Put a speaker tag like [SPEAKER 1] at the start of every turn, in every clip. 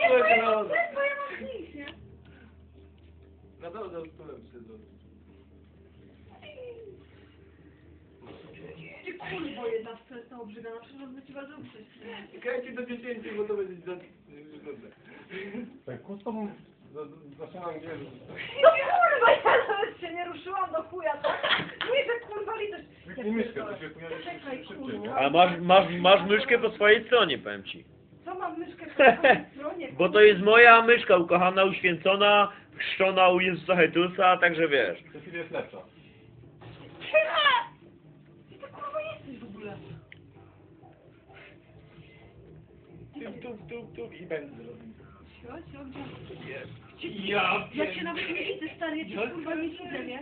[SPEAKER 1] bo ja mam nic, nie?
[SPEAKER 2] Na dole za stolem siedzą.
[SPEAKER 1] Ty kurwo jedna wstrętna obrzygana, przecież on by ci bardzo uprzeć.
[SPEAKER 2] Czekajcie do 10, bo to będzie za minutę.
[SPEAKER 3] Tak, kustom zaczynam wierzyć.
[SPEAKER 1] No kurwa, ja nawet się nie ruszyłam do chuja, tak? Mówię, że kurwa litość.
[SPEAKER 3] Kliknij myszkę, to się pojawi
[SPEAKER 1] Czekaj,
[SPEAKER 3] szybciej,
[SPEAKER 1] kurwa.
[SPEAKER 3] nie?
[SPEAKER 4] A masz myszkę po swojej stronie, powiem ci.
[SPEAKER 1] Co mam myszkę po swojej stronie?
[SPEAKER 4] Bo to jest moja myszka, ukochana, uświęcona, chrzczona u Jezusa Chrystusa, także wiesz.
[SPEAKER 3] To chwilę jest lepsza.
[SPEAKER 1] Ty to kurwa jesteś w ogóle.
[SPEAKER 2] Tup i będę robił.
[SPEAKER 1] Sio, gdzie?
[SPEAKER 2] Ja
[SPEAKER 1] cię nawet nie widzę, stary, ja cię kurwa nie widzę, nie?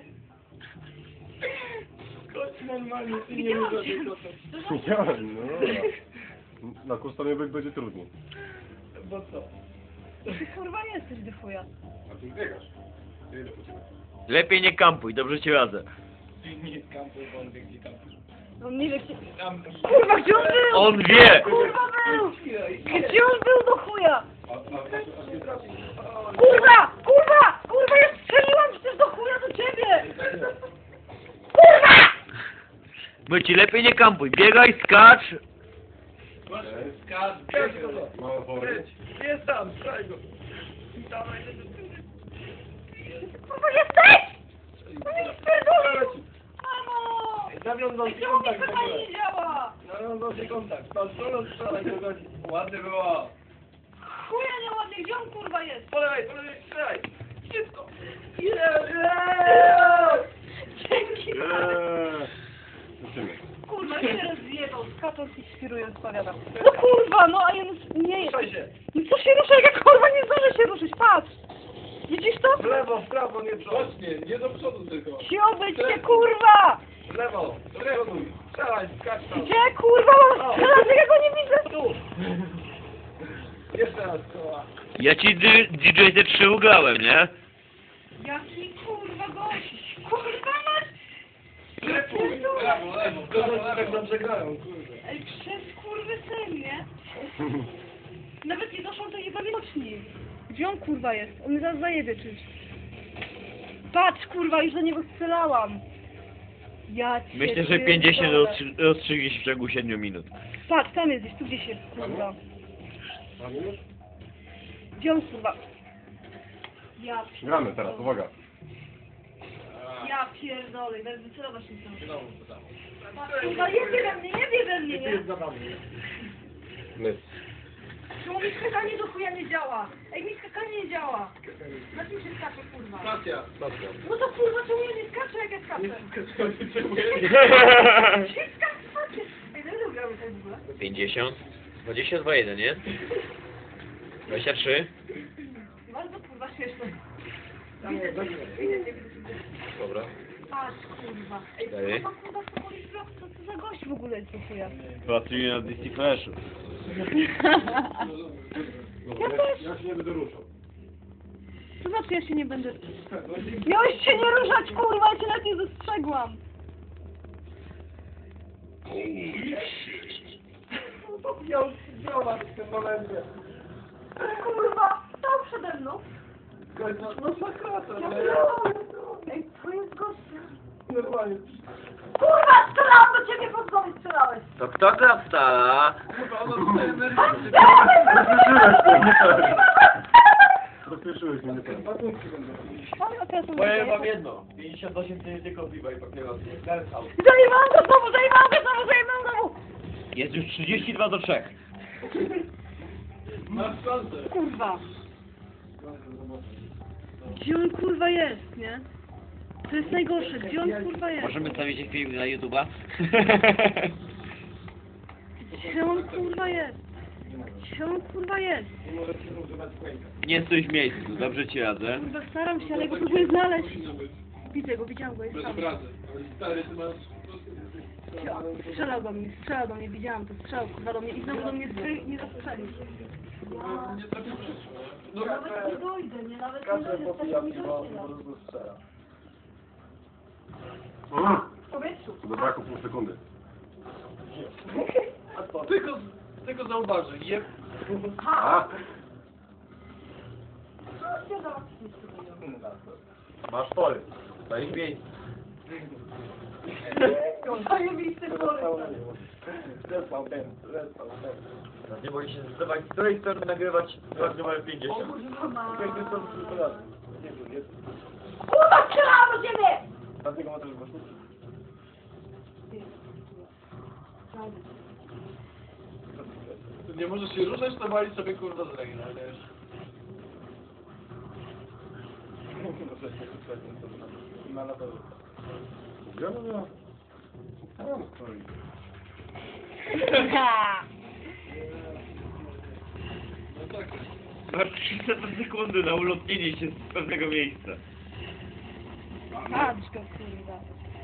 [SPEAKER 2] Chodź normalnie, ty nie
[SPEAKER 1] Widziałam
[SPEAKER 2] możesz
[SPEAKER 1] cię.
[SPEAKER 2] kochać.
[SPEAKER 3] Widziałem, no dobra. Na kustomie będzie trudniej.
[SPEAKER 2] Bo co?
[SPEAKER 1] Ty kurwa jesteś do chuja.
[SPEAKER 3] A ty biegasz. Ile po ciebie?
[SPEAKER 4] Lepiej nie kampuj, dobrze ci radzę.
[SPEAKER 2] Ty nie kampuj, bo on wie gdzie kampuj.
[SPEAKER 1] On nie wie gdzie...
[SPEAKER 2] Tam...
[SPEAKER 1] Kurwa, gdzie on był?
[SPEAKER 4] On wie!
[SPEAKER 1] Kurwa był! Gdzie on był do chuja?
[SPEAKER 3] A ty trafisz.
[SPEAKER 1] Kurwa! Kurwa! Kurwa, ja strzeliłam przecież do chuja do ciebie! Kurwa!
[SPEAKER 4] My ci lepiej nie kampuj, biegaj, skacz.
[SPEAKER 2] Skacz go!
[SPEAKER 3] Mała pory.
[SPEAKER 2] Jest tam, strzelaj go! Dawaj,
[SPEAKER 1] Kurwa, jesteś! No nie spierdolił! Mamo!
[SPEAKER 2] Zawiązał się
[SPEAKER 1] Czemu mi
[SPEAKER 2] kontakt w
[SPEAKER 1] pytanie
[SPEAKER 2] ogóle.
[SPEAKER 1] nie działa?
[SPEAKER 2] Zawiązał się kontakt. Pan strzelał, strzelaj go godzi. Ładnie było.
[SPEAKER 1] Chuja nieładnie, gdzie on kurwa jest?
[SPEAKER 2] Po lewej, strzelaj! Szybko!
[SPEAKER 1] Dzięki
[SPEAKER 3] Lecimy.
[SPEAKER 1] Kurwa, się rozjebał, skacząc i świrując, powiadam. No kurwa, no a ja nie jest.
[SPEAKER 2] Ruszaj się!
[SPEAKER 1] No co się rusza, jak ja kurwa nie zdążę się ruszyć, patrz! Widzisz to?
[SPEAKER 2] W lewo, w prawo, nie w przód. Nie do przodu tylko.
[SPEAKER 1] Siobyć się kurwa!
[SPEAKER 2] W lewo, do przodu. Strzelaj, skacz tam.
[SPEAKER 1] Gdzie kurwa mam strzelać, jak ja go nie widzę?
[SPEAKER 2] Tu. Jeszcze raz koła.
[SPEAKER 4] Ja ci DJ te 3 ugrałem, nie?
[SPEAKER 1] Jaki kurwa gość! Kurwa masz!
[SPEAKER 2] Lepuj, brawo, lewo. To tak dobrze grają, kurde.
[SPEAKER 1] Ej, przez kurwy syn, nie? Nawet nie doszło do jego widoczni. Gdzie on kurwa jest? On mnie zaraz zajebie czymś. Patrz kurwa, już do niego strzelałam. Ja cię
[SPEAKER 4] Myślę, że 50
[SPEAKER 1] pierdolę.
[SPEAKER 4] rozstrzygnie się w ciągu 7 minut.
[SPEAKER 1] Patrz, tam jest gdzieś, tu gdzieś jest kurwa.
[SPEAKER 3] Mamy już?
[SPEAKER 1] Gdzie on kurwa? Ja
[SPEAKER 3] Gramy teraz, uwaga.
[SPEAKER 1] Ja pierdolę, będę wycelować się tam.
[SPEAKER 2] Znowu to samo.
[SPEAKER 1] Kurwa, jebie we mnie, jebie we mnie, nie?
[SPEAKER 3] My.
[SPEAKER 1] Czemu mi skakanie do chuja nie działa? Ej, mi skakanie nie działa. Na czym się skacze, kurwa?
[SPEAKER 2] Stacja.
[SPEAKER 1] No to kurwa, czemu ja nie skaczę, jak ja skaczę? Gdzie skaczę? Ej, no gramy tak w ogóle.
[SPEAKER 4] 50, 22, 1, nie? 23.
[SPEAKER 1] Bardzo kurwa śmieszne.
[SPEAKER 2] Tam jest,
[SPEAKER 1] Widzę, widzę.
[SPEAKER 4] Dobra.
[SPEAKER 1] Patrz, kurwa. Ej,
[SPEAKER 4] Dalej.
[SPEAKER 1] kurwa, Sokolis Vlog, co to za gość w ogóle jest do chuja?
[SPEAKER 4] Pracuję na DC Flashu.
[SPEAKER 1] Ja też.
[SPEAKER 3] Ja się nie będę ruszał.
[SPEAKER 1] To znaczy, ja się nie będę... Miałeś się nie ruszać, kurwa, ja cię nawet nie dostrzegłam.
[SPEAKER 2] Miał ziomak w tym momencie.
[SPEAKER 1] Kurwa, stał przede mną.
[SPEAKER 2] No zakrata,
[SPEAKER 1] Ja
[SPEAKER 2] no
[SPEAKER 1] pierdolę. Ej, to jest gościa.
[SPEAKER 2] normalnie.
[SPEAKER 1] Kurwa, strzelałam do ciebie, pod głowy strzelałeś.
[SPEAKER 4] To kto gra w Stara?
[SPEAKER 2] Chyba ona tutaj nerwowy.
[SPEAKER 3] Rozpieszyłeś mnie, nie tak.
[SPEAKER 2] Ładunki będą.
[SPEAKER 4] Powiem wam jedno. 58 to nie tylko piwa i papierosy.
[SPEAKER 1] Zajebałam go znowu, zajebałam go znowu, zajebałam znowu.
[SPEAKER 4] Jest już 32 do 3.
[SPEAKER 2] Masz szansę.
[SPEAKER 1] Kurwa. Gdzie on kurwa jest, nie? To jest najgorsze, gdzie on kurwa jest?
[SPEAKER 4] Możemy stawić film na YouTube'a?
[SPEAKER 1] Gdzie on kurwa jest? Gdzie on kurwa jest?
[SPEAKER 2] Nie możecie używać quake'a.
[SPEAKER 4] Nie stój w miejscu, dobrze ci radzę.
[SPEAKER 1] Kurwa, staram się, ale go próbuję znaleźć. Widzę go, widziałam go, jest
[SPEAKER 2] Bez
[SPEAKER 1] tam.
[SPEAKER 2] obrazy. Stary, ty masz...
[SPEAKER 1] Strzelał do mnie, widziałam to, strzelał kurwa do mnie i znowu do mnie nie zastrzelił.
[SPEAKER 2] Nie trafisz przyszło. No,
[SPEAKER 1] Nawet nie dojdę, nie? Nawet nie
[SPEAKER 2] Kasę
[SPEAKER 1] dojdę,
[SPEAKER 2] popija
[SPEAKER 1] tak mi
[SPEAKER 2] piwo,
[SPEAKER 1] dojdzie.
[SPEAKER 2] po prostu strzela.
[SPEAKER 1] W powietrzu.
[SPEAKER 3] To do braku pół sekundy.
[SPEAKER 2] Tylko zauważy, jeb...
[SPEAKER 3] A? Masz pory. Na ich miejscu.
[SPEAKER 1] Zajebisty pory.
[SPEAKER 2] Nie boi się zdecydować, z której strony nagrywać rok numer 50.
[SPEAKER 1] Kurwa, strzelałam do ciebie!
[SPEAKER 3] Dlatego ma też głośnik.
[SPEAKER 2] Nie możesz się ruszać, to walić sobie kurwa z ręki, wiesz.
[SPEAKER 3] Gdzie ona była? Tam stoi.
[SPEAKER 4] Masz 300 sekundy na ulotnienie się z pewnego miejsca.
[SPEAKER 1] Patrz go, kurwa.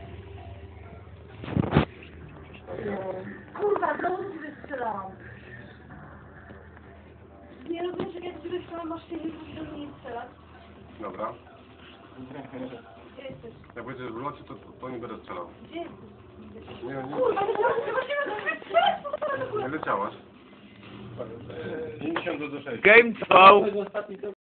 [SPEAKER 1] Kurwa, znowu ciebie strzelałam. Nie rozumiesz, jak ja ciebie strzelam, masz się nie do mnie strzelać.
[SPEAKER 3] Dobra.
[SPEAKER 1] Gdzie jesteś?
[SPEAKER 3] Jak będziesz w locie, to nie będę strzelał.
[SPEAKER 1] Gdzie jesteś?
[SPEAKER 3] Nie, nie.
[SPEAKER 1] Kurwa, nie możemy do mnie strzelać, po co to
[SPEAKER 3] Nie leciałaś.
[SPEAKER 2] 50 do 6.
[SPEAKER 4] Game trwał